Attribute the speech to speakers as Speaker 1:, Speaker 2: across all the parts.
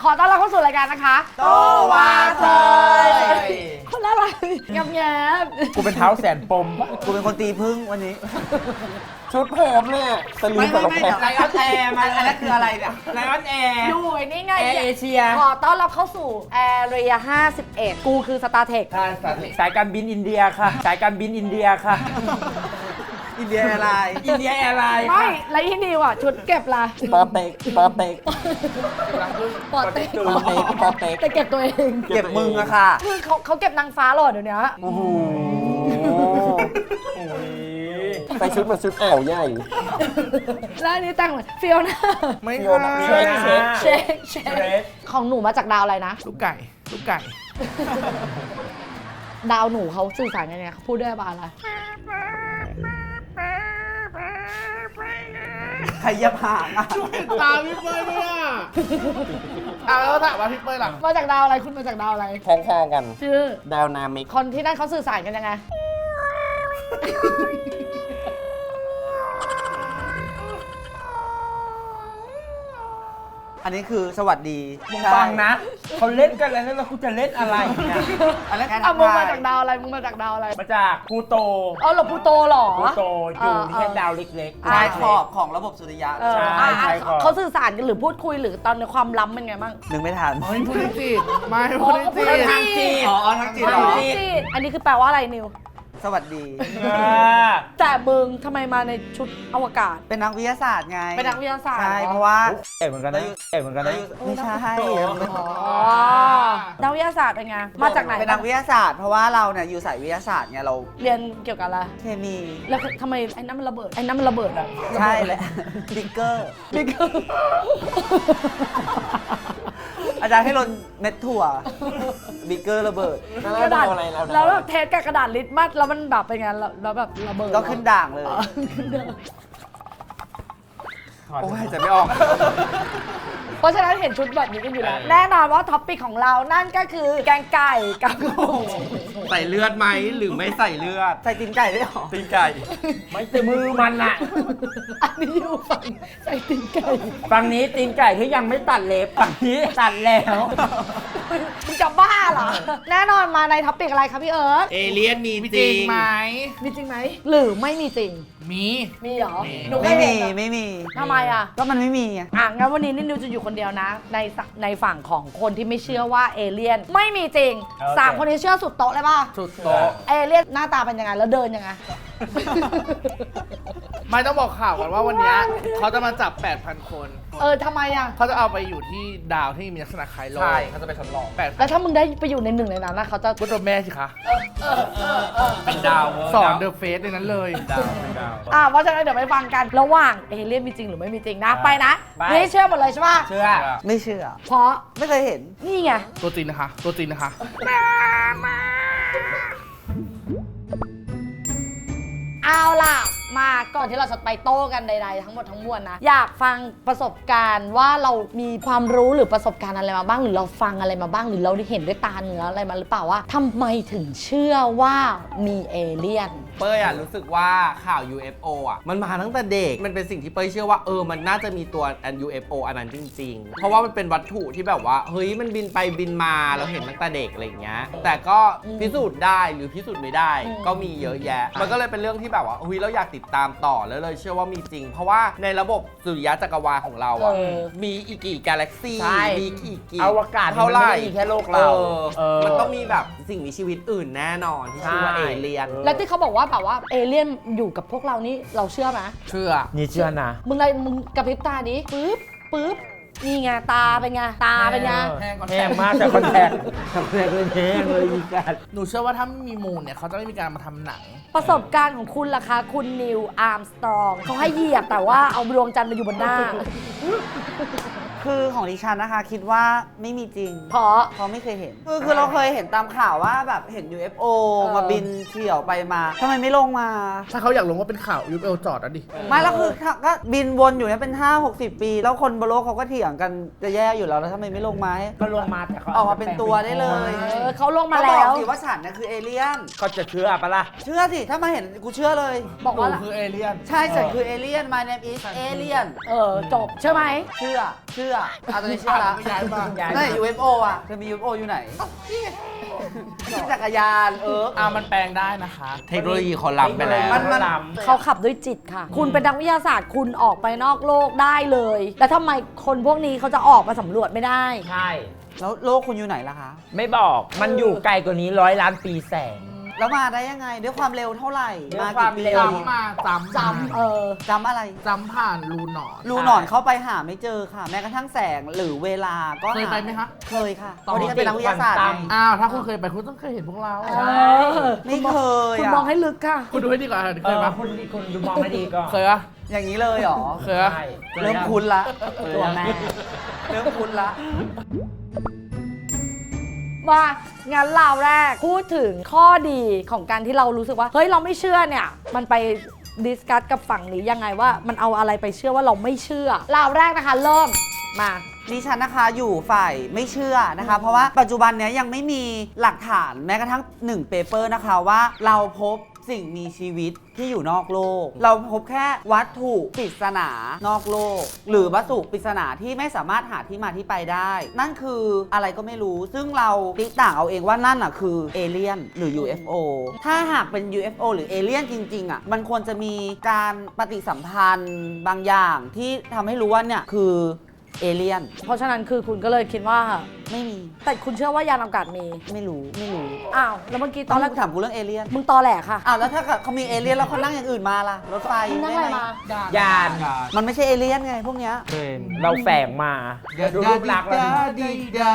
Speaker 1: ขอต้อนรับเข้าสู่รายการนะคะ
Speaker 2: โตวาเทย
Speaker 1: คนละอะไรแงบ
Speaker 3: กูเป็นเท้าแสนปม
Speaker 2: กูเป็นคนตีพึ่งวันนี้
Speaker 3: ชุดผมเนี่ยสลีปกับรองเท้า
Speaker 2: ไลออนแอร์มันอันนั้นคืออะไรเนี่ยไลออนแอร์
Speaker 1: อยู่นี่ไง
Speaker 2: แอร์เอเชีย
Speaker 1: ขอต้อนรับเข้าสู่แอเรีย51กูคือสตาร์เทค
Speaker 3: สายการบินอินเดียค่ะ สายการบินอินเดียค่ะ
Speaker 2: อินเดียแอร์ไลน์อินเดียแอร์ไลน์
Speaker 1: ไม่แล้วอีนิวอ่ะชุดเก็บละ
Speaker 3: ปอเต็กปอเต็ก
Speaker 1: ปอเต็ก
Speaker 3: ปอเต็กปอเต็ก
Speaker 1: แต่เก็บตัวเอง
Speaker 2: เก็บมึงอะค่ะ
Speaker 1: คือเขาเก็บนางฟ้าหรอเดี๋ยวนี้
Speaker 3: โอ้โหใส่ชุดมาชุดแอวใหญ่
Speaker 1: แล้วอันนี้แต่งเหมือนฟิลนะ
Speaker 2: ไม่
Speaker 3: โยนเช็คเช็ค
Speaker 1: เชคของหนูมาจากดาวอะไรนะ
Speaker 2: ลูกไก่ลูกไก่
Speaker 1: ดาวหนูเขาสื่อสารกันยังไงเขาพูดด้วยบ้าอะไร
Speaker 2: ใครยับห่างอะ
Speaker 4: ตามพี่เป้ยด้วยอ่ะเอาแล้วถามว่าพี่เป้ยล่ะ
Speaker 1: มาจากดาวอะไรคุณมาจากดาวอะไร
Speaker 3: คล้องๆกัน
Speaker 1: ชื่อ
Speaker 3: ดาวนามิก
Speaker 1: คนที่นั่นเขาสื่อสารกันยังไง
Speaker 2: อันนี้คือสวัสดี
Speaker 3: มึงฟังนะ เขาเล่นกันแล้วแล้วกูจะเล่นอะไรเนี่ย
Speaker 2: อันนั้น
Speaker 1: อ่ะมึงมาจากดาวอะไรมึงมาจากดาวอะไร
Speaker 3: มาจากพลูโต
Speaker 1: อ๋อเหรอพลูโตเหรอ
Speaker 3: พลูโตอยู่แค่ดาวเล็กๆ
Speaker 2: ชายขอบของระบบสุริยะ
Speaker 1: เออ
Speaker 3: ใช่
Speaker 1: อ่ะ
Speaker 3: ใช่ครับ
Speaker 1: เขาสื่อสารกันหรือพูดคุยหรือตอนในความล้ำเป็นไงบ้าง
Speaker 2: นึกไม่ทัน
Speaker 4: เฮ้ยพูดจริงไม่พูดจริง
Speaker 1: ทางจีน
Speaker 2: อ๋อทั้งจีนเหรอ
Speaker 1: อันนี้คือแปลว่าอะไรนิว
Speaker 2: สวัสดี
Speaker 1: แต่มึงทำไมมาในชุดอวกาศ
Speaker 2: เป็นนักวิทยาศาสตร์ไง
Speaker 1: เป็นนักวิทยาศาสตร์
Speaker 2: ใช่
Speaker 1: เหรอ
Speaker 2: เพราะว่า
Speaker 3: เอ๋เหมือนกันนะเอ๋เหมือนกันนะ
Speaker 2: ไม่ใช่
Speaker 1: อ๋อนักวิทยาศาสตร์เป็นไง มาจากไหน
Speaker 2: เป็นนักวิทยาศาสตร์เพราะว่าเราเนี่ยอยู่สายวิทยาศาสตร์ไงเรา
Speaker 1: เรียนเกี่ยวกับอะไร
Speaker 2: เคมี
Speaker 1: แล้วทำไมไอ้นั่นมันระเบิด ไอ้นั่นมันระเบิดอ่ะ
Speaker 2: ใช่แหละบิ๊กเกอร์
Speaker 1: บิ๊ก
Speaker 2: อาจารย์ให้ลนเม็ดถั่วบิ๊กเกอร์ระเบิด
Speaker 1: กระดาษ
Speaker 3: อะไรแล้ว
Speaker 1: แล้วแบบเทสกับกระดาษลิตมัสแล้วมันแบบเป็นไงแล้วแบบระเบิด
Speaker 2: ก็ขึ้นด่างเลย
Speaker 1: อ๋อขึ้นด่าง
Speaker 2: โอ้ยจะไม่ออก
Speaker 1: เพราะฉะนั้นเห็นชุดแบบนี้กันอยู่แล้ว แน่นอนว่าท็อปปิกของเรานั่นก็คือแกงไก่กับกุ้ง
Speaker 4: ใส่เลือดไหมหรือไม่ใส่เลือด
Speaker 2: ใส่ตีนไก่ด้วยเหรอ
Speaker 4: ตีนไก่
Speaker 3: ไม่ใช่มือมันอะ
Speaker 1: อันนี้อยู่ฝั่งใส่ตีนไก่
Speaker 3: ฝั่งนี้ตีนไก่ที่ยังไม่ตัดเล็บฝั่งนี้ตัดแล้ว
Speaker 1: มึงจะบ้าเหรอ แน่นอนมาในท็อปปิกอะไรคะพี่เอิร์ธ
Speaker 4: เอเลี่ยนมีจริงไหม
Speaker 1: มีจริงไหมหรือไม่มีจริง
Speaker 4: มี
Speaker 1: มีเหรอ
Speaker 4: มี
Speaker 1: หนูเค
Speaker 2: ไม่
Speaker 1: ย
Speaker 2: มี
Speaker 1: เห็นเหรอ
Speaker 2: ไม่มี
Speaker 1: ทำไมอ่ะ
Speaker 2: ก็มันไม่มีไง
Speaker 1: งั้นวันนี้นิวจะอยู่คนเดียวนะ ในฝั่งของคนที่ไม่เชื่อว่าเอเลี่ยนไม่มีจริง
Speaker 3: โอเค
Speaker 1: สามคนนี้เชื่อสุดโต๊ะเลยป่ะ
Speaker 4: สุดโต๊ะ
Speaker 1: เอเลี่ยนหน้าตาเป็นยังไงแล้วเดินยังไง
Speaker 4: ไม่ต้องบอกข่าวก่อนว่าวันเนี้ยเขาจะมาจับ 8,000 คน
Speaker 1: ทำไมอ่ะ
Speaker 4: เขาจะเอาไปอยู่ที่ดาวที่มีลักษณะคล้ายโลก
Speaker 3: ใช่เขาจะไปทดลอง
Speaker 1: แล้วถ้ามึงได้ไปอยู่ในหนึ่งในนั้นนะเขาจะ
Speaker 4: ก็ตัวแม่สิคะ
Speaker 3: เป็นดาว
Speaker 4: สอนเดอะเฟสในนั้นเลย
Speaker 3: ดาวเป็นดาว
Speaker 1: เพราะฉะนั้นเดี๋ยวไปฟังกันระหว่างเอเลี่ยนมีจริงหรือไม่มีจริงนะ ไปนะ
Speaker 3: ไป
Speaker 1: นี่เชื่อหมดเลยใช่ป่ะ
Speaker 3: เชื่อ
Speaker 2: ไม่เชื่อ
Speaker 1: เพราะ
Speaker 2: ไม่เคยเห็น
Speaker 1: นี่ไง
Speaker 4: ตัวจริงนะคะ ตัวจริงนะคะ
Speaker 1: เอาล่ะ มาก่อนที่เราจะไปโต้กันใดๆทั้งหมดทั้งมวลนะ อยากฟังประสบการณ์ว่าเรามีความรู้หรือประสบการณ์อะไรมาบ้าง หรือเราฟังอะไรมาบ้าง หรือเราได้เห็นด้วยตาเนื้ออะไรมาหรือเปล่าว่าทำไมถึงเชื่อว่ามีเอเลี่ยน
Speaker 5: เป้ยรู้สึกว่าข่าว UFO มันมาตั้งแต่เด็ก มันเป็นสิ่งที่เป้ยเชื่อว่ามันน่าจะมีตัวUFO อันนั้นจริง ๆ เพราะว่ามันเป็นวัตถุที่แบบว่าเฮ้ยมันบินไปบินมาเราเห็นตั้งแต่เด็กอะไรอย่างเงี้ยแต่ก็พิสูจน์ได้หรือพิสูจน์ไม่ได้
Speaker 1: อืม
Speaker 5: ก็มีเยอะแยะ มันก็เลยเป็นเรื่องที่แบบว่าเฮ้ยเราอยากติดตามต่อแล้วเลยเชื่อว่ามีจริง เพราะว่าในระบบสุริยะจักรวาลของเรามีอีกกี่กาแล็กซี่
Speaker 3: ใช่
Speaker 5: มีอีกกี่
Speaker 3: อวกาศ
Speaker 5: เท่าไหร่
Speaker 3: มันไม่ได้มีแค่โลกเรา
Speaker 5: มันต้องมีแบบสิ่งมีชีวิตอื่นแน่นอนที่ชื่อว่า
Speaker 3: ใช่
Speaker 5: เอเลียน
Speaker 1: แล้วที่เขาบอกว่าแบบว่าเอเลี่ยนอยู่กับพวกเรานี่เราเชื่อไหม
Speaker 4: เชื่อ
Speaker 3: นี่เชื่อนะ
Speaker 1: มึงกระพริบตาดิปึ๊บนี่ไงตาเป็นไงตาเป็นไง
Speaker 3: แห้งมากแต่คอนแทคคอนแทคเลยแห้งเลยมีการ
Speaker 4: หนูเชื่อว่าถ้าไม่มีมูลเนี่ยเขาจะไม่มีการมาทำหนัง
Speaker 1: ประสบการณ์ของคุณล่ะคะคุณนิวอาร์มสตรองเขาให้เหยียบแต่ว่าเอาดวงจันทร์มาอยู่บนหน้า
Speaker 2: คือของดิฉันนะคะ คิดว่าไม่มีจริง
Speaker 1: เพราะ
Speaker 2: เพราะไม่เคยเห็น คือเราเคยเห็นตามข่าวว่าแบบเห็น UFO มาบินเฉี่ยวไปมาทำไมไม่ลงมา
Speaker 4: ถ้าเขาอยากลงว่าเป็นข่าว UFO จอดอ่ะดิ
Speaker 2: ไม่แล้วคือก็บินวนอยู่เนี่ยเป็น 5-60 ปี แล้วคนบนโลกเขาก็เถียงกันจะแย่อยู่แล้วทำไมไม่ลงมาให้
Speaker 3: ก็ลงมาแต่เขา
Speaker 2: ออกมาเป็นตัวได้เลย
Speaker 1: เขาลงมา
Speaker 2: ก็บ
Speaker 1: แล้
Speaker 2: อก
Speaker 1: ว
Speaker 2: สิว่าฉันเนี่ยคือเอเลี่ยน
Speaker 3: ก็จะเชื่อปะล่ะ
Speaker 2: เชื่อสิ ถ้ามาเห็นกูเชื่อเลย
Speaker 1: บอกว่า
Speaker 4: หนูคือเอเลี่ยน
Speaker 2: ใช่ฉันคือเอเลี่ยน my name is alien
Speaker 1: จบใช่ไหม
Speaker 2: เชื่ออตอนนี้เชื่อละ
Speaker 4: ย้ายมา
Speaker 2: ไหน UFO อ่ะเธอมี UFO อยู่ไหนขี่จักรยาน
Speaker 4: มันแปลงได้นะคะ
Speaker 5: เทคโนโลยีเขาล้ำไปแล้ว
Speaker 1: เขาขับด้วยจิตค่ะ คุณเป็นนักวิทยาศาสตร์คุณออกไปนอกโลกได้เลย แล้วทำไมคนพวกนี้เขาจะออกมาสำรวจไม่ได้
Speaker 3: ใช่
Speaker 2: แล้วโลกคุณอยู่ไหนล่ะคะ
Speaker 3: ไม่บอกมันอยู่ไกลกว่านี้100 ล้านปีแสง
Speaker 2: แล้วมาได้ยังไงด้วยความเร็วเท่าไหร่
Speaker 3: ด้วยความเร็ว
Speaker 4: จำมาจำ
Speaker 1: จำ
Speaker 2: จำอะไร
Speaker 4: จำผ่านรูหนอน
Speaker 2: รูหนอนเข้าไปหาไม่เจอค่ะ แม้กระทั่งแสงหรือเวลาก็
Speaker 4: เคยไปไหมคะ
Speaker 2: เคยค่ะวันนี้ก็เป็นนักวิทยาศาสตร์ไง
Speaker 4: ถ้าคุณเคยไปคุณต้องเคยเห็นพวกเรา
Speaker 1: ใช่
Speaker 2: ไม่เคย
Speaker 1: คุณ
Speaker 2: อะ
Speaker 1: มองให้ลึกค่ะ
Speaker 4: คุณดูให้ดีก่อนเคยปะ
Speaker 3: คุณดูมองให้ดีก่อน
Speaker 4: เคยปะ
Speaker 2: อย่างนี้เลยเหรอ
Speaker 4: เคยปะ
Speaker 3: ใช่
Speaker 2: เริ่มคุ้นละ
Speaker 3: ตัวแม่
Speaker 2: เริ่มคุ้นละ
Speaker 1: ว่างั้นเราแรกพูดถึงข้อดีของการที่เรารู้สึกว่าเฮ้ยเราไม่เชื่อเนี่ยมันไปดิสคัสกับฝั่งนี้ยังไงว่ามันเอาอะไรไปเชื่อว่าเราไม่เชื่อเราแรกนะคะเริ่มมา
Speaker 2: ดิฉันนะคะอยู่ฝ่ายไม่เชื่อนะคะ เพราะว่าปัจจุบันเนี้ยยังไม่มีหลักฐานแม้กระทั่ง1เปเปอร์นะคะว่าเราพบสิ่งมีชีวิตที่อยู่นอกโลก เราพบแค่วัตถุปริศนานอกโลก หรือวัตถุปริศนาที่ไม่สามารถหาที่มาที่ไปได้ นั่นคืออะไรก็ไม่รู้ ซึ่งเราติต่างเอาเองว่านั่นอ่ะคือเอเลี่ยนหรือ UFO ถ้าหากเป็น UFO หรือเอเลี่ยนจริงๆอ่ะมันควรจะมีการปฏิสัมพันธ์บางอย่างที่ทำให้รู้ว่าเนี่ยคือเอเลี่ยน
Speaker 1: เพราะฉะนั้นคือคุณก็เลยคิดว่า
Speaker 2: ไม่มี
Speaker 1: แต่คุณเชื่อว่ายานอวกาศมี
Speaker 2: ไม่รู้
Speaker 1: อ้าวแล้วเมื่อกี้ต
Speaker 2: ต
Speaker 1: อ
Speaker 2: อน น
Speaker 1: แร
Speaker 2: แร
Speaker 1: ก
Speaker 2: กถามกูเรื่องเอเลี่ยน
Speaker 1: มึงตอแหลค่ะ
Speaker 2: อ้าวแล้วถ้าเขามีเอเลี่ยนแล้วเขานั่งอย่างอื่นมาล่ะรถไฟ
Speaker 1: มึงนั่งอะไรมา
Speaker 3: ยาน
Speaker 2: มันไม่ใช่เอเลี่ยนไงพวกเนี้ย
Speaker 3: เราแฝงมาดูรูปลักษณ์แล้วดิ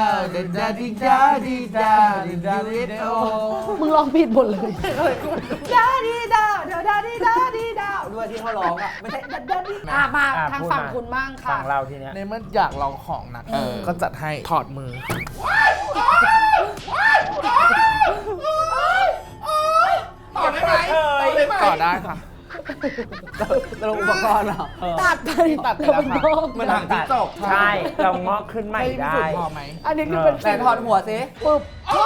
Speaker 1: มึงลองผิดหมดเลย
Speaker 2: ดาดีดาวเดี๋ยวดาดีดาดีดาวด้วยที่เขาร้องอ่ะไม่ใช่ดาดี
Speaker 1: มา
Speaker 3: อ่ะ
Speaker 1: ทาง
Speaker 3: พูด
Speaker 1: ฝั่ง
Speaker 3: มา
Speaker 1: คุณมั่งค่ะ
Speaker 3: ฝั่งเราทีเนี้ย
Speaker 4: ในเมื่ออยากลองของหนักก็จัดให้ถอดมือ
Speaker 5: ต่อได้ไหม
Speaker 4: ต่อได้ค่ะ
Speaker 2: เราอุปกรณ์เหรอ
Speaker 1: ตัดไป
Speaker 4: ตัดไปแล้วค่ะ
Speaker 5: เหมือนหางจิ้งจก
Speaker 3: ใช่เรางอกขึ้นใหม่
Speaker 4: ให้พิ
Speaker 3: ได้
Speaker 4: สูจน์พอไหม
Speaker 1: อันนี้คือเป็น
Speaker 2: แต่ถอดหัวสิ
Speaker 1: ปึ๊บ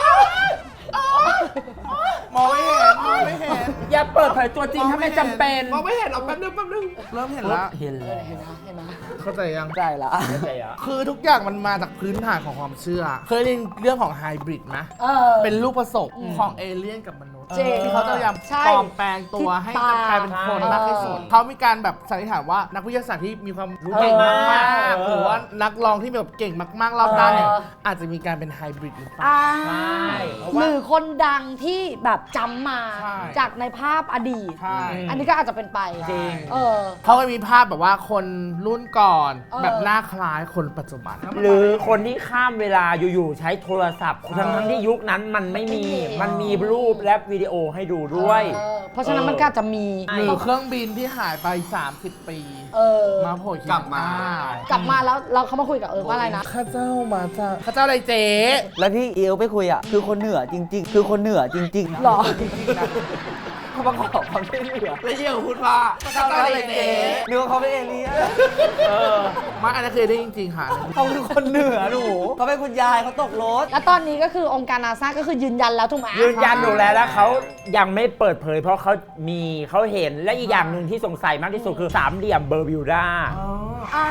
Speaker 4: มองไม่เห็นมองไม่เห็น
Speaker 3: อย่าเปิดเผยตัวจริงถ้าไม่จำเป็น
Speaker 5: มองไม่เห็นเอาแป๊บนึง
Speaker 4: เริ่มเห็นแล้ว
Speaker 3: เห็นเลย
Speaker 1: เห็นนะ
Speaker 4: เข้าใจยัง
Speaker 2: ใจละ
Speaker 3: เข้าใจเหรอ
Speaker 4: คือทุกอย่างมันมาจากพื้นฐานของความเชื่อ เคยเรียนเรื่องของไฮบริดไหม เป็นลูกผสมของเอเลี่ยนกับมนุษย์
Speaker 1: จริง
Speaker 4: ที่เขาจะพยายาม
Speaker 1: ใช่
Speaker 4: ปลอมแปลงตัวให้
Speaker 1: ที่ตา
Speaker 4: กลายเป็นคน
Speaker 3: ใช่
Speaker 4: มากที่สุดเขามีการแบบสันนิษฐานว่านักวิทยาศาสตร์ที่มีความรู้เก่งมากๆหรือว่านักลองที่แบบเก่งมากๆรอบด้านเนี่ยอาจจะมีการเป็นไฮบริดหรือเปล่า
Speaker 3: ใช่
Speaker 1: หรือคนดังที่แบบจำมา
Speaker 4: ใช่
Speaker 1: จากในภาพอดีต
Speaker 4: ใช่
Speaker 1: อันนี้ก็อาจจะเป็นไป
Speaker 3: จริง
Speaker 4: เขาก็มีภาพแบบว่าคนรุ่นก่อน
Speaker 1: เออ
Speaker 4: แบบหน้าคล้ายคนปัจจุบัน
Speaker 3: หรือคนที่ข้ามเวลาอยู่ๆใช้โทรศัพท์ทั้งที่ยุคนั้นมันไม่มี มันมีรูปและวิดีโอให้ดูด้วย
Speaker 1: เพราะฉะนั้นมันก็อาจจะมี
Speaker 4: หรือเครื่องบินที่หายไป 30 ปี มาโผล่
Speaker 5: กลับมา
Speaker 1: กลับมาแล้วเราเขามาคุยกับว่าอะไรนะ
Speaker 4: ข้าเจ้ามาจ้าข้าเจ้าอะไรเจ๊
Speaker 2: แล้วที่เอลไปคุยอ่ะคือคนเหนือจริง ๆ คือคนเหนือจริงๆนะ
Speaker 1: หรอ
Speaker 2: จริงๆนะเขามาขอความช่วยเหลือ
Speaker 5: แล้วเยี่ยพูดว่า
Speaker 2: เขาอะไรเจ๊นึกว่าเขาเป็นเอเลี่ยน
Speaker 4: มาอันนั้นเคยได้จริงๆค่ะ
Speaker 2: เขาคือคนเหนือหนูเขาเป็นคุณยายเขาตกรถ
Speaker 1: แล้วตอนนี้ก็คือองค์การนาซาก็คือยืนยันแล้วถูกไหม
Speaker 3: ยืนยันอยู่แล้วเขายังไม่เปิดเผย เพราะเขาเห็นและอีกอย่างหนึ่งที่สงสัยมากที่สุดคือสามเหลี่ยมเบอร์บิวดา
Speaker 1: อ้าย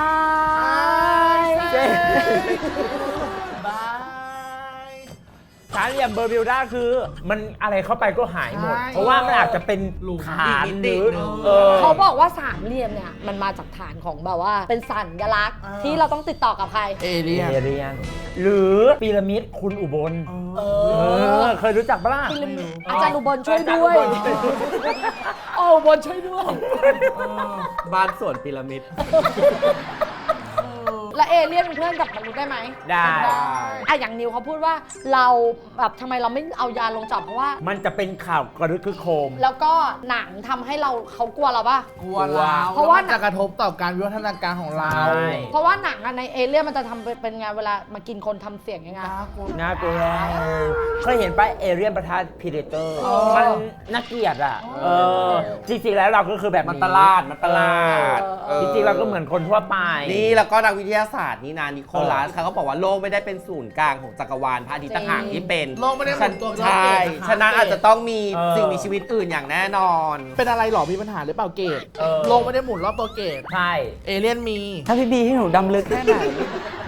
Speaker 3: เจ๊
Speaker 4: บาย
Speaker 3: สามเหลี่ยมเบอร์บิวดาคือมันอะไรเข้าไปก็หายหมด
Speaker 4: ใช่
Speaker 3: เพราะว่ามันอาจจะเป็นฐานหรือ
Speaker 1: เขาบอกว่าสามเหลี่ยมเนี่ยมันมาจากฐานของแบบว่าเป็นสัญลักษณ์ที่เราต้องติดต่อกับใคร
Speaker 4: เอเลี่ยน
Speaker 3: เอเลียนหรือพีระมิดคุณอุบลเคยรู้จักปะล่ะ
Speaker 1: อาจารย์อุบลช่วยด้วย
Speaker 3: อาจารย์อุบล
Speaker 1: โอ้อุบลช่วยด้วย
Speaker 5: บ้านสวนพีระมิด
Speaker 1: แล้วเอเลี่ยนเป็นเพื่อนกับมนุษย์ได้ไหม
Speaker 3: ได้
Speaker 1: อะอย่างนิวเขาพูดว่าเราแบบทำไมเราไม่เอายาลงจอบเพราะว่า
Speaker 3: มันจะเป็นข่าวกระดึกคือโคม
Speaker 1: แล้วก็หนังทำให้เขากลัวเราป่ะ
Speaker 4: กลัวเรา
Speaker 1: เพราะว่า
Speaker 4: แล้มันจะกระทบต่อการวิวัฒนาการของเรา
Speaker 3: ใช่
Speaker 1: เพราะว่าหนังอะในเอเลี่ยนมันจะทำเป็นไงเวลามากินคนทำเสียงยังไง
Speaker 3: น่ากลัวเคยเห็นป่ะเอเรียนประทะพีเดเตอร์มันน่าเกลียดอ่ะจริงๆแล้วเราก็คือแบบ
Speaker 5: มันประหลาด
Speaker 3: จริงๆเราก็เหมือนคนทั่วไป
Speaker 5: นี่แล้วก็นักวิทยาศาสตร์นี่นานิโคลัสเขาบอกว่าโลกไม่ได้เป็นศูนย์กลางของจักรวาลพระอาทิตย์ต่างหากที่เป็น
Speaker 4: โลกไม่ได้หมุนตัว
Speaker 5: ใช่
Speaker 4: รอบเกตนะคะ
Speaker 5: ฉะนั้นอาจจะต้องมีสิ่งมีชีวิตอื่นอย่างแน่นอน
Speaker 4: เป็นอะไรหรอมีปัญหาหรือเปล่าเกตโลกไม่ได้หมุนรอบตัวเกต
Speaker 3: ใช่
Speaker 4: เอเลี่ยนมี
Speaker 2: ถ้าพี่บีให้หนูดำลึกแค่ไหน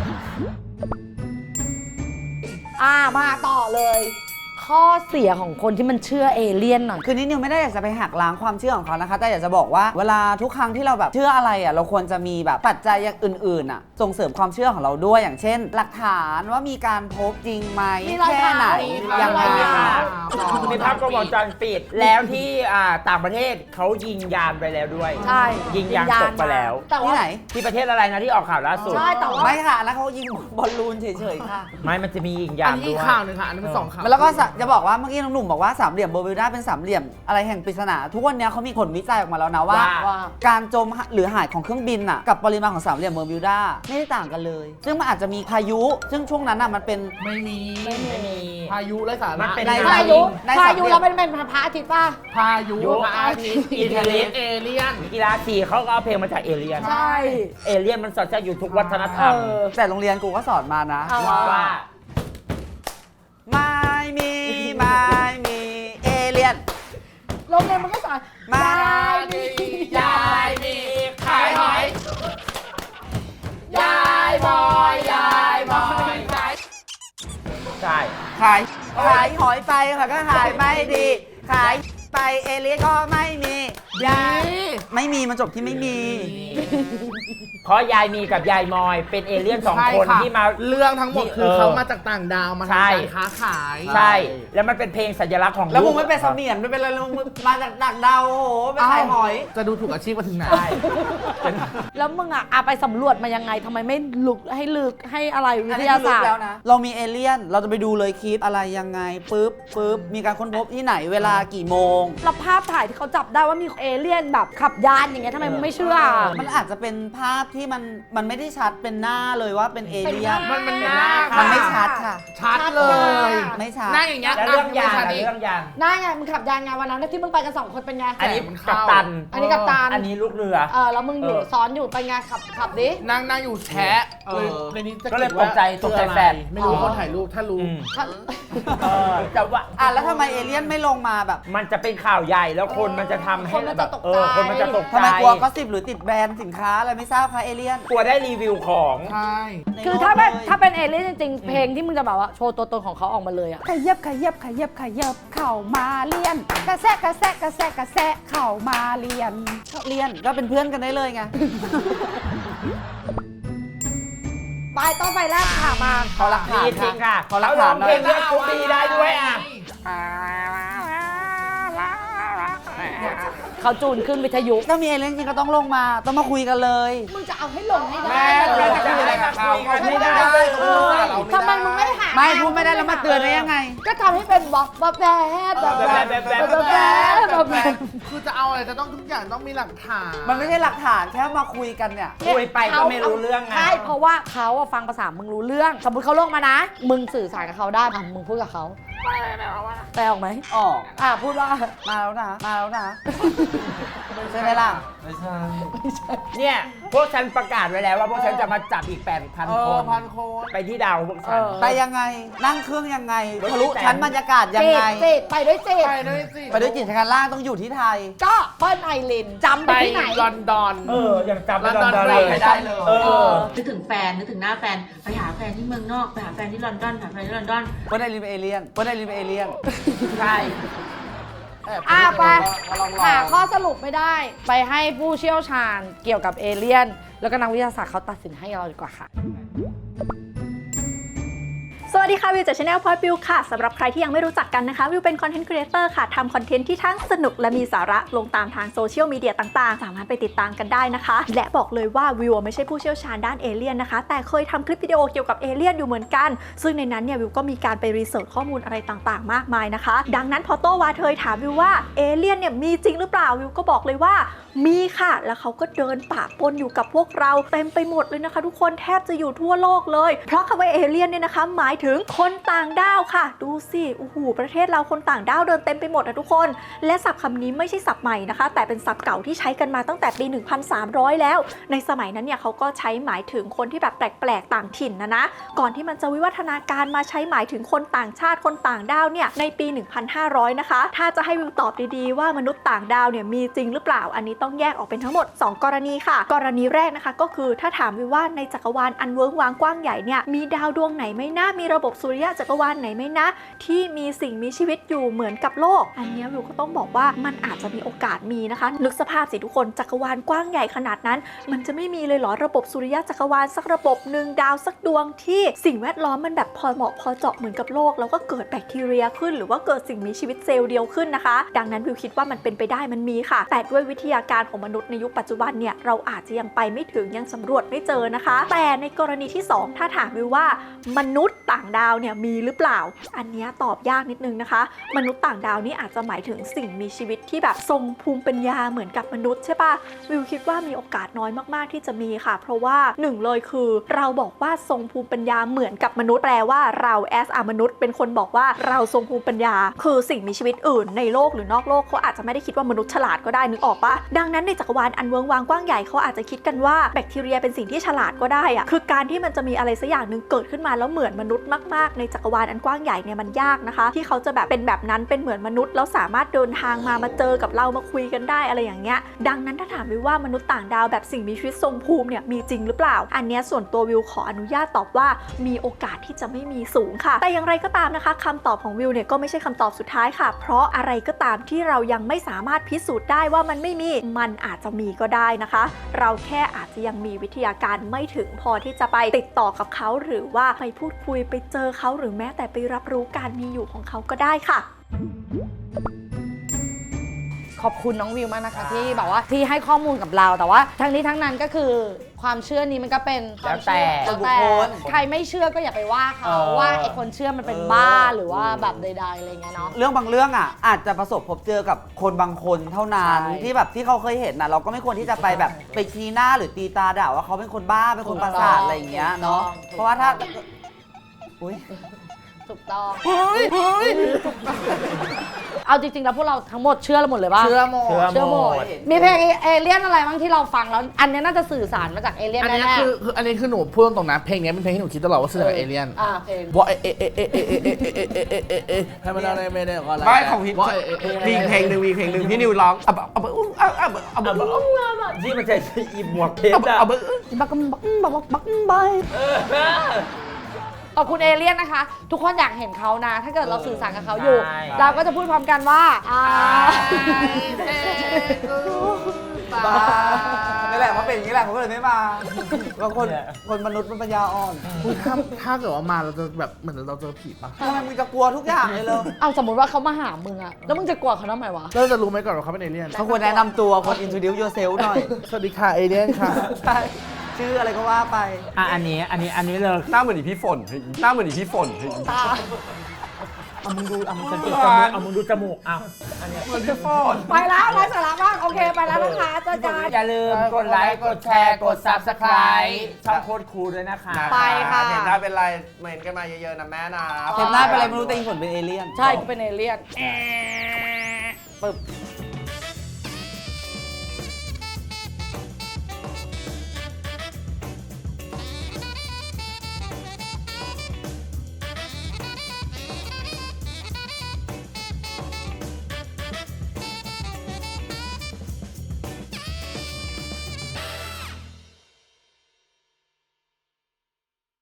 Speaker 1: มาต่อเลย ข้อเสียของคนที่มันเชื่อเอเลี่ยนหน่อย
Speaker 2: คือนิดนิวไม่ได้อยากจะไปหักล้างความเชื่อของเขานะคะ แต่อยากจะบอกว่าเวลาทุกครั้งที่เราแบบเชื่ออะไรอ่ะเราควรจะมีแบบปัจจัยอย่างอื่นๆอ่ะส่งเสริมความเชื่อของเราด้วยอย่างเช่น หลักฐานว่ามีการพบจริงไหม
Speaker 1: มีรอย
Speaker 2: แค่ไหน
Speaker 1: เท้า
Speaker 2: ยังไง
Speaker 1: มีรอยเท้า
Speaker 3: มีภาพกล้องวงจรปิดแล้วที่ต่างประเทศเขายิงยานไปแล้วด้วย
Speaker 1: ใช่
Speaker 3: ยิงยางตกไปแล้ว
Speaker 1: แต่
Speaker 2: ที่
Speaker 1: ว่า
Speaker 2: ไหน
Speaker 3: ที่ประเทศอะไรนะที่ออกข่าวล่าสุด
Speaker 1: ใช่แต่ว่า
Speaker 2: ไม่ค่ะแล้วเขายิงบอลลูนเฉยๆค่ะ
Speaker 3: ไม่มันจะมียิง
Speaker 4: อั
Speaker 3: ยาน น
Speaker 4: นี้
Speaker 3: ด้
Speaker 4: อีก
Speaker 3: วย
Speaker 4: ข่าวหนึ่งค่ะ อันนี้เป็น2ข่าว
Speaker 2: แล้วก็จะบอกว่าเมื่อกี้น้องหนุ่มบอกว่าสามเหลี่ยมเบอร์มิวดาเป็นสามเหลี่ยมอะไรแห่งปริศนาทุกวันนี้เขามีผลวิจัยออกมาแล้วนะว่า
Speaker 3: ว่า
Speaker 2: การจมหรือหายของเครื่องบินน่ะกับปริมาณของสามเหลี่ยมเบอร์มิวดาไม่ได้ต่างกันเลย ซึ่งมันอาจจะมีพายุ ซึ่งช่วงนั้นน่ะมันเป็น
Speaker 4: ไม่มี
Speaker 3: ไม่มี
Speaker 4: พายุไร้สา
Speaker 3: มั
Speaker 4: ระ
Speaker 3: นเป็น
Speaker 2: ใน
Speaker 1: พายุ
Speaker 2: ใน
Speaker 1: พา
Speaker 2: สามเหลี่
Speaker 1: ยุ
Speaker 2: ยม
Speaker 1: เราเป็นพระอาทิตย์ป่ะ
Speaker 4: พายุพระอาทิตย์อิทธิฤทธิ์เอเลี่ยน
Speaker 3: กีฬาสีเขาก็เอาเพลงมาจากเอเลี่ยน
Speaker 1: ใช่
Speaker 3: เอเลี่ยนมันสอดแทรกอยู่ทุกวัฒนธรรม
Speaker 2: แต่โรงเรียนกูก็สอนมานะ
Speaker 1: เอา
Speaker 3: ว่า
Speaker 2: ไม่มีเอเลียน
Speaker 1: โรงเรียนมันก็สอน
Speaker 2: ไม่
Speaker 4: ยายมีขายหอย ยายบอยยายบอยขาย
Speaker 3: ใช่
Speaker 2: ขายหอยไปค่ะก็ขายไม่ดี ขายไปเอเลียนก็ไม่มียายไม่มีมันจบที่ไม่มี
Speaker 3: เพราะยายมีกับยายมอยเป็นเอเลี่ยนสอง
Speaker 4: ใช่
Speaker 3: คน
Speaker 4: ค่ะ
Speaker 3: ที่มา
Speaker 4: เรื่องทั้งหมดคือเขามาจากต่างดาวมา
Speaker 3: ใช่
Speaker 4: ทำการค้าขาย
Speaker 3: ใช่ แล้วมันเป็นเพลงสัญลักษณ์ของ
Speaker 2: แล้วมึง
Speaker 3: ก
Speaker 2: ไม่เป็นเสมียนไม่เป็นอะไรแล้วมึงมาจากดักดาวโอ้โหไปขายหอย
Speaker 4: จะดูถูกอาชีพมาถึงไหน
Speaker 3: ใช่
Speaker 1: แล้วมึงอ่ะไปสำรวจมายังไงทำไมไม่ลึกให้อะไรวิ
Speaker 2: อัน
Speaker 1: ท
Speaker 2: นี้
Speaker 1: ยา
Speaker 2: คือลึ
Speaker 1: ศาก สตร์
Speaker 2: แล้วนะ เรามีเอเลี่ยน เราจะไปดูเลยคลิปอะไรยังไงปึ๊บมีการค้นพบที่ไหนเวลากี่โมง
Speaker 1: แล้วภาพถ่ายที่เขาจับได้ว่ามีเอเลี่ยนแบบขับยานอย่างเงี้ยทำไมมึงไม่เชื่อ
Speaker 2: มันอาจจะเป็นภาพที่มันไม่ได้ชัดเป็นหน้าเลยว่าเป็นเอเลี่ยน
Speaker 4: มันหน้า
Speaker 2: มันไม่ชัดค่ะ
Speaker 4: ชัดเลย
Speaker 2: ไม่ชัด
Speaker 4: หน้าอย่างเงี้ย
Speaker 3: แล้วเรื่องยาน
Speaker 4: ชัด
Speaker 3: อะ
Speaker 4: อีก
Speaker 3: เรื่องยาน
Speaker 1: น่าไงมึงขับยานไงวันนั้นที่มึงไปกัน2 คนเป็นไง
Speaker 3: อันนี้
Speaker 4: มัน
Speaker 3: กั
Speaker 4: เข้า
Speaker 3: ปตัน
Speaker 1: อันนี้กัปตัน
Speaker 3: อันนี้ลูกเรือ
Speaker 1: แล้วมึงอยู่ซ้อนอยู่ไปไงขับดิ
Speaker 4: นั่งอยู่แชะในนี้จะ
Speaker 3: ก็เลย
Speaker 4: ขีดว่า
Speaker 3: ตกใจแฟน
Speaker 4: ไม่รู้คนถ่ายรูปถ้ารู้
Speaker 3: แต่ว่า
Speaker 2: แล้วทำไมเอเลี่ยนไม่ลงมาแบบ
Speaker 3: มันจะเป็นข่าวใหญ่แล้วคนมันจะทำให้
Speaker 1: คนมันจะตกใจ
Speaker 3: คนมันจะตกใจ
Speaker 2: ทำไมกลัวก็สิบหรือติดแบรนด์สินค้าอะไรไม่ทราบคะเอเลี่ยน
Speaker 3: กลัวได้รีวิวของ
Speaker 4: ใช่
Speaker 1: คือถ้าเป็นเอเลี่ยนจริงๆเพลงที่มึงจะแบบว่าโชว์ตัวตนของเขาออกมาเลยอะ
Speaker 6: ขยับเข่ามาเลียน กระแซะเข่ามาเลียน
Speaker 2: เลี่ยนก็เป็นเพื่อนกันได้เลยไง
Speaker 1: ไปต้องไปแรกค่ะมา
Speaker 2: ขอหลักฐาน
Speaker 3: จริงค่ะ
Speaker 2: ขอหลัก
Speaker 3: ร้
Speaker 2: ฐา
Speaker 3: อน ง
Speaker 2: หน่
Speaker 3: เพ
Speaker 2: อ
Speaker 3: ล
Speaker 2: ย
Speaker 3: งเลือดกรุ๊ปบีได้ด้วยอ่ะ
Speaker 1: เขาจูนขึ้นวิทยุ
Speaker 2: ถ้ามีเอเลี่ยนจริงก็ต้องลงมาต้องมาคุยกันเลย
Speaker 1: มึงจะเอาให้ลงให้ได้
Speaker 5: แม่
Speaker 1: เหร
Speaker 5: เรา
Speaker 1: อ
Speaker 5: จะคุยอะไรกับเขาเขาไม่ได้
Speaker 1: ทำไมมึงไม่หา
Speaker 2: ไม่พูดไม่ได้แล้วมาเตือนได้ยังไง
Speaker 1: ก็ทำให้เป็นบอกแบบแบบ
Speaker 4: คือจะเอาอะไรจะต้องทุกอย่างต้องมีหลักฐาน
Speaker 2: มันไม่ใช่หลักฐานแค่มาคุยกันเนี่ย
Speaker 3: คุยไปก็ไม่รู้เรื่องไง
Speaker 1: ใช่เพราะว่าเขาอะฟังภาษามึงรู้เรื่อง สมมติเขาลงมานะ มึงสื่อสารกับเขาได้มึงพูดกับเขาแปลออกไหม
Speaker 2: อ๋อ
Speaker 1: พูดว่า
Speaker 2: มาแล้วนะใช่ไหมล่ะ
Speaker 5: ไม่ใช่
Speaker 3: เนี่ยพวกฉันประกาศไว้แล้วว่าพวกฉันจะมาจับอีก 8,000 คน
Speaker 4: พันคน
Speaker 3: ไปที่ดาวพวกฉัน
Speaker 2: ไปยังไง นั่งเครื่องยังไงทะลุชั้นบรรยากาศยังไง
Speaker 1: จิตไปด้วยจิต
Speaker 4: ไปด้วยสิ
Speaker 2: ไปด้วยจิตชั้นล่างต้องอยู่ที่ไทย
Speaker 1: ก็เปิ้ลไอรินจำไป
Speaker 4: ไป
Speaker 1: ที่ไหน
Speaker 4: ลอนดอน
Speaker 3: ยังจำไม่
Speaker 4: ลอนดอน
Speaker 3: ได้เลย
Speaker 4: ไปได้เลย
Speaker 7: นึกถึงแฟน นึกถึงหน้าแฟน ไปหาแฟนที่เมืองนอก ไปหาแฟนที่ลอนดอนหาแฟนที่ลอนดอน
Speaker 2: เปิ้ลไอรินเป็นเอเลี่ยนเปิ้ลไอรินเป็นเอเลี่ยน
Speaker 3: ใช่
Speaker 1: ไปหาข้อสรุปไม่ได้ ไปให้ผู้เชี่ยวชาญเกี่ยวกับเอเลี่ยน แล้วก็นักวิทยาศาสตร์เขาตัดสินให้เราดีกว่าค่ะ
Speaker 6: สวัสดีค่ะ วิวจากช anel พอยบิวค่ะสำหรับใครที่ยังไม่รู้จักกันนะคะวิวเป็นคอนเทนต์ครีเอเตอร์ค่ะทำคอนเทนต์ที่ทั้งสนุกและมีสาระลงตามทางโซเชียลมีเดียต่างๆ สามารถไปติดตามกันได้นะคะ และบอกเลยว่าวิวไม่ใช่ผู้เชี่ยวชาญด้านเอเลี่ยนนะคะแต่เคยทำคลิปวิดีโอเกี่ยวกับเอเลี่ยนอยู่เหมือนกัน ซึ่งในนั้นเนี่ยวิวก็มีการไปรีเสิร์ชข้อมูลอะไรต่างๆ มากมายนะคะ ดังนั้นพอโตวาเทยถามวิวว่าเอเลี่ยนเนี่ยมีจริงหรือเปล่าวิวก็บอกเลยว่ามีค่ะแล้วเขาก็เดินป่าปนอยู่กับพวกเราเต็มไปหมดเลยนะคะ ทุกคนแทบจะอยู่ทั่วโลกเลยเพราะคำว่าเอเลี่ยนเนี่ยนะคะหมายถึงคนต่างดาวค่ะดูสิโอ้โหประเทศเราคนต่างดาวเดินเต็มไปหมดนะทุกคนและศัพท์คำนี้ไม่ใช่ศัพท์ใหม่นะคะแต่เป็นศัพท์เก่าที่ใช้กันมาตั้งแต่ปี 1300 แล้วในสมัยนั้นเนี่ยเขาก็ใช้หมายถึงคนที่แบบแปลกๆต่างถิ่นนะก่อนที่มันจะวิวัฒนาการมาใช้หมายถึงคนต่างชาติคนต่างดาวเนี่ยในปี 1500 นะคะถ้าจะให้วิวตอบดีๆว่ามนุษย์ต่างดาวเนี่ยมีจริงหรือเปล่าอันนี้ต้องแยกออกเป็นทั้งหมด 2 กรณีค่ะกรณีแรกนะคะก็คือถ้าถามวิวว่าในจักรวาลอันเวิ้งว้างกว้างใหญ่เนี่ยมีดาวดวงไหนไหมนะมีระบบสุริยะจักรวาลไหนไหมนะที่มีสิ่งมีชีวิตอยู่เหมือนกับโลกอันนี้วิวก็ต้องบอกว่ามันอาจจะมีโอกาสมีนะคะนึกสภาพสิทุกคนจักรวาลกว้างใหญ่ขนาดนั้นมันจะไม่มีเลยเหรอระบบสุริยะจักรวาลสักระบบหนึ่งดาวสักดวงที่สิ่งแวดล้อมมันแบบพอเหมาะพอเจาะเหมือนกับโลกแล้วก็เกิดแบคทีเรียขึ้นหรือว่าเกิดสิ่งมีชีวิตเซลล์เดียวขึ้นนะคะดังนั้นวิวคิดว่ามันเป็นไปได้มันมีค่ะแต่ด้วยวิทยาการของมนุษย์ในยุคปัจจุบันเนี่ยเราอาจจะยังไปไม่ถึงยังสำรวจไม่เจอนะคะแต่ในกรณีที่ 2 ถ้าถามวิวว่ามนุษย์ต่างดาวเนี่ยมีหรือเปล่าอันนี้ตอบยากนิดนึงนะคะมนุษย์ต่างดาวนี่อาจจะหมายถึงสิ่งมีชีวิตที่แบบทรงภูมิปัญญาเหมือนกับมนุษย์ใช่ปะวิวคิดว่ามีโอกาสน้อยมากๆที่จะมีค่ะเพราะว่า1เลยคือเราบอกว่าทรงภูมิปัญญาเหมือนกับมนุษย์แปลว่าเราแอสมนุษย์เป็นคนบอกว่าเราทรงภูมิปัญญาคือสิ่งมีชีวิตอื่นในโลกหรือนอกโลกเขาอาจจะไม่ได้คิดว่ามนุษย์ฉลาดก็ได้นึกออกปะดังนั้นในจักรวาลอันเวิ้งว้างกว้างใหญ่เขาอาจจะคิดกันว่าแบคทีเรียเป็นสิ่งที่ฉลาดก็ได้อะคือการที่มันจะมีอะไรสักอย่างหนึ่งเกิดขึ้นมาแล้วเหมือนมนุษย์มากๆในจักรวาลอันกว้างใหญ่เนี่ยมันยากนะคะที่เขาจะแบบเป็นแบบนั้นเป็นเหมือนมนุษย์แล้วสามารถเดินทางมาเจอกับเรามาคุยกันได้อะไรอย่างเงี้ยดังนั้นถ้าถามวิวว่ามนุษย์ต่างดาวแบบสิ่งมีชีวิตทรงภูมิเนี่ยมีจริงหรือเปล่าอันเนี้ยส่วนตัววิวขออนุญาตตอบว่ามีโอกาสที่จะไม่มีสูงค่ะแต่อย่างไรก็ตามนะคะคำตอบของวิวเนี่ยก็ไม่ใช่คำตอบสุดท้ายค่ะเพราะอะไรก็ตามที่เรายังไม่สามารถพิสูจน์ได้ว่ามันไม่มีมันอาจจะมีก็ได้นะคะเราแค่อาจจะยังมีวิทยาการไม่ถึงพอที่จะไปติดต่อกับเขาหรือว่าไปพูดคุยไปเจอเขาหรือแม้แต่ไปรับรู้การมีอยู่ของเขาก็ได้ค่ะ
Speaker 1: ขอบคุณน้องวิวมากนะคะที่แบบว่าที่ให้ข้อมูลกับเราแต่ว่าทั้งนี้ทั้งนั้นก็คือความเชื่อนี้มันก็เป็นความเชื่อ
Speaker 2: แล้วแต่
Speaker 1: ใครไม่เชื่อก็อย่าไปว่าเขาว่าไอ้คนเชื่อมันเป็นบ้าหรือว่าแบบใดๆอะไรเงี้ยเนาะ
Speaker 2: เรื่องบางเรื่องอ่ะอาจจะประสบพบเจอกับคนบางคนเท่านั้น
Speaker 1: ใช่
Speaker 2: ที่แบบที่เขาเคยเห็นนะเราก็ไม่ควรที่จะไปแบบไปชี้หน้าหรือตีตาด่าว่าเขาเป็นคนบ้าเป็นคนประสาทอะไรอย่างเงี้ยเนาะเพราะว่าถ้าอุ้ย
Speaker 1: ถูกต้องเอาจริงๆแล้วพวกเราทั้งหมดเชื่อเราหมดเลยป่ะ
Speaker 4: เชื่อหมด
Speaker 1: เชื่อหมดมีเพลงเอเลี่ยนอะไรบ้างที่เราฟังแล้วอันนี้น่าจะสื่อสารมาจากเอเลี่ยน
Speaker 4: อันนี้
Speaker 1: แน่
Speaker 4: คืออันนี้คือหนูพูดตรงๆนะเพลงนี้เป็นเพลงที่หนูคิดตลอดว่าสื่อกับเอเลี่ยน
Speaker 1: เพลง
Speaker 4: ว่าให้มันอะไรไม่ได้ก็อะไร
Speaker 5: ไม่ของพี่มีเพลงหนึ่งพี่นิวร้อง
Speaker 3: ที่มันใช้อีหมวกเพชรอะ
Speaker 1: บักใบขอบคุณเอเลี่ยนนะคะ ทุกคนอยากเห็นเขานะ ถ้าเกิดเราสื่อสารกับเขาอยู่ เราก็จะพูดพร้อมกันว่า
Speaker 2: นี่แหละมาเป็นอย่างนี้แหละผมก็เลยไม่มาบางคนมนุษย์มันปัญญาอ่อน
Speaker 4: ถ้าเกิดว่ามาเราจะแบบเหมือนเราเจอผีปะ
Speaker 2: ทำไมมึงจะกลัวทุกอย่างเลยเลย
Speaker 1: เอาสมมติว่าเขามาหามึงอะแล้วมึงจะกลัวเขาทำไมวะ
Speaker 4: เราจะรู้ไหมก่อนว่าเขาเป็นเอเลี่ยน
Speaker 2: เขาควรแนะนำตัวคน introduce yourself หน่อย
Speaker 4: สวัสดีค่ะเอเลี่ยนค่ะ
Speaker 2: ใช่ชื่ออะไรก็ว่าไป
Speaker 3: อันนี้เลย
Speaker 5: หน้าเหมือนอีพี่ฝนหน้าเหมือนอีพี่ฝน
Speaker 3: เอามึงดูเอามึงสังเกตจมูกเอามึงดูจมูกเอา
Speaker 5: เหมือนพี่ฝน
Speaker 1: ไปแล้วไร้สาระมากโอเคไปแล้วนะคะเจอกัน
Speaker 3: อย่าลืมกดไลค์กดแชร์กด Subscribe ช่องโคตรคูลด้วยนะคะ
Speaker 1: ไปค่ะ
Speaker 5: เห็นหน้าเป็นไรเหม็นกันมาเยอะๆนะแม่นะ
Speaker 2: เห็นหน้าเป็นอะไรไม่รู้แต่อีผลเป็นเอเลี่ยน
Speaker 1: ใช่กูเป็นเอเลี่ยนปึ๊บ